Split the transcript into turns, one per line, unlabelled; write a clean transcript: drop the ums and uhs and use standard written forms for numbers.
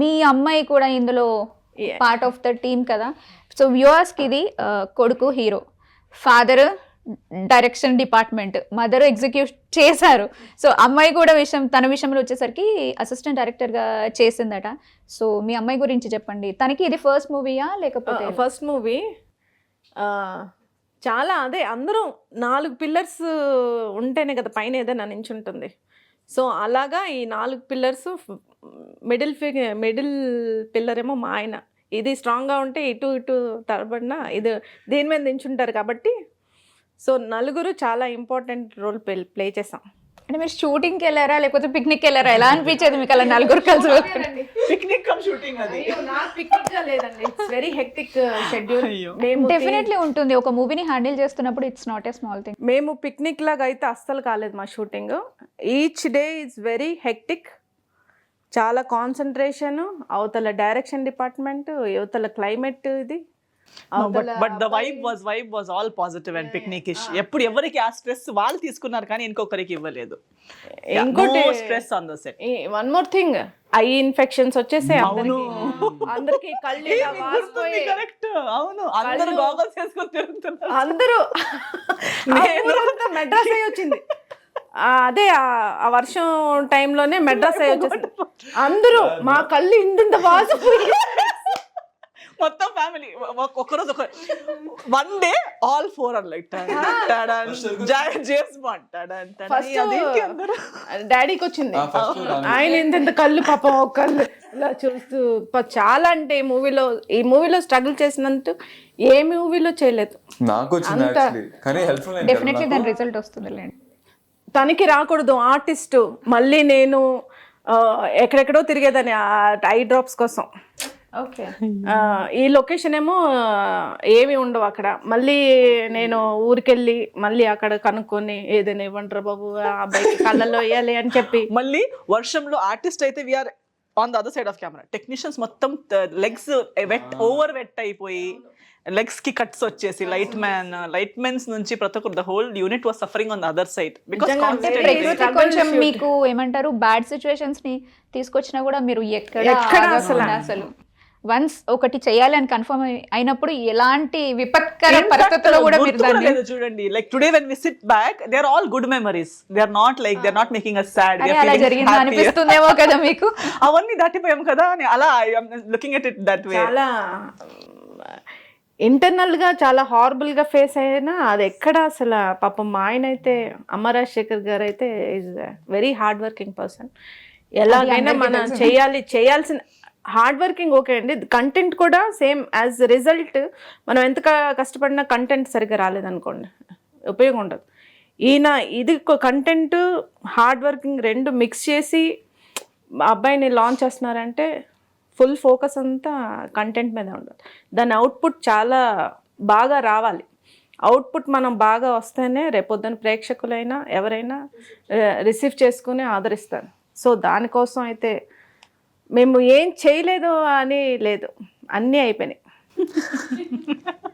మీ అమ్మాయి కూడా ఇందులో పార్ట్ ఆఫ్ ద టీమ్ కదా. సో వ్యూవర్స్కి ఇది కొడుకు hero, father direction department, mother execute చేశారు. సో అమ్మాయి కూడా తన విషయంలో వచ్చేసరికి అసిస్టెంట్ డైరెక్టర్గా చేసిందట. సో మీ అమ్మాయి గురించి చెప్పండి. తనకి ఇది ఫస్ట్ మూవీయా లేకపోతే?
First movie. చాలా అదే అందరం 4 పిల్లర్స్ ఉంటేనే కదా పైన ఏదైనా నించుంటుంది. సో అలాగా ఈ 4 పిల్లర్స్ మిడిల్ పిల్లర్ ఏమో మా ఆయన. ఇది స్ట్రాంగ్గా ఉంటే ఇటు తరబడిన ఇది దీని మీద నించుంటారు కాబట్టి సో నలుగురు చాలా ఇంపార్టెంట్ రోల్ ప్లే చేసాం.
అంటే మీరు షూటింగ్కి వెళ్ళారా లేకపోతే పిక్నిక్కి వెళ్ళారా? ఎలా అనిపించేది మీకు అలా నలుగురు కలిసి?
పిక్నిక్ కమ్ షూటింగ్ అది.
పిక్నిక్ లేదండి, it's very hectic schedule.
Definitely ఉంటుంది. ఒక మూవీని హ్యాండిల్ చేస్తున్నప్పుడు it's not a small thing.
మేము పిక్నిక్ లాగా అయితే అస్సలు కాలేదు మా shooting. Each day is very hectic. చాలా కాన్సన్ట్రేషన్, అవతల డైరెక్షన్ డిపార్ట్మెంట్, అవతల క్లైమేట్ ఇది.
But the vibe was all positive and picnickish. ఎప్పుడు ఎవరికి ఆ స్ట్రెస్ వాళ్ళు తీసుకున్నారు కానీ ఇంకొకరికి ఇవ్వలేదు. ఇంకోటి stress on the set.
One more thing, eye infections వచ్చేసే అందరికి కళ్ళు
కరెక్ట్. అవును, అందరూ గాగల్స్ వేసుకొని తిరుగుతున్నారు.
అందరూ మెడ్రాస్ అయ్యి వచ్చింది. అదే ఆ వర్షం టైంలోనే మెడ్రాస్ అయ్యి వచ్చేసింది. అందరూ మా కళ్ళు ఇంత వాసు
మొత్తం ఫ్యామిలీ ఒకరోజు one day all 4 are like James Bond.
డాడీకి వచ్చింది. ఆయన ఎంత కళ్ళు పాపం ఒక కళ్ళు ఇలా చూస్తూ చాలా అంటే ఈ మూవీలో స్ట్రగుల్ చేసినంత ఏ మూవీలో చేయలేదు.
డెఫినెట్లీ దాని రిజల్ట్ వస్తుంది.
తనకి రాకూడదు ఆర్టిస్ట్. మళ్ళీ నేను ఎక్కడెక్కడో తిరిగేదాన్ని ఐ డ్రాప్స్ కోసం.
ఓకే.
ఈ లొకేషన్ ఏమో ఏమి ఉండవు అక్కడ. మళ్ళీ నేను ఊరికెళ్ళి మళ్ళీ అక్కడ కనుక్కొని ఏదైనా ఇవ్వంటారు బాబు అబ్బాయికి కళ్ళల్లో వేయాలి అని చెప్పి.
మళ్ళీ వర్షంలో ఆర్టిస్ట్ అయితే we are on the other side of camera. Technicians మొత్తం లెగ్స్ ఓవర్ వెట్ అయిపోయి లెగ్స్ కి కట్స్ వచ్చేసి లైట్ మెన్స్ నుంచి ప్రతి ఒక్కరు the whole unit was suffering on the other side.
కొంచెం మీకు ఏమంటారు బ్యాడ్ సిచ్యువేషన్స్ ని తీసుకొచ్చినా కూడా మీరు ఎక్కడ అసలు వన్స్ ఒకటి చేయాలని కన్ఫర్మ్ అయినప్పుడు ఎలాంటి విపత్కర పరిస్థితుల్లో కూడా మీరు దాన్ని
చూడండి. Like today when we sit back they are all good memories. They are not like they are not making us sad.
అలా జరిగింది అనిపిస్తుందేమో కదా మీకు.
అవన్నీ దాటిపోయాం కదా అని అలా I am looking at it that way.
చాలా ఇంటర్నల్గా చాలా హారబుల్గా ఫేస్ అయినా అది ఎక్కడ అసలు పాపం మా ఆయన అయితే అమరాజశేఖర్ గారు అయితే is very hard working person. ఎలాగైనా మనం చేయాల్సిన హార్డ్ వర్కింగ్ ఓకే అండి. కంటెంట్ కూడా సేమ్ యాజ్ రిజల్ట్ మనం ఎంత కష్టపడినా కంటెంట్ సరిగ్గా రాలేదనుకోండి ఉపయోగం ఉండదు. ఇది కంటెంట్ హార్డ్ వర్కింగ్ రెండు మిక్స్ చేసి అబ్బాయిని లాంచ్ చేస్తున్నారంటే ఫుల్ ఫోకస్ అంతా కంటెంట్ మీద ఉండదు. దాని అవుట్పుట్ చాలా బాగా రావాలి. అవుట్పుట్ మనం బాగా వస్తేనే రేపొద్దున ప్రేక్షకులైనా ఎవరైనా రిసీవ్ చేసుకుని ఆదరిస్తారు. సో దానికోసం అయితే మేము ఏం చేయలేదు అని లేదు, అన్నీ అయిపోయినాయి.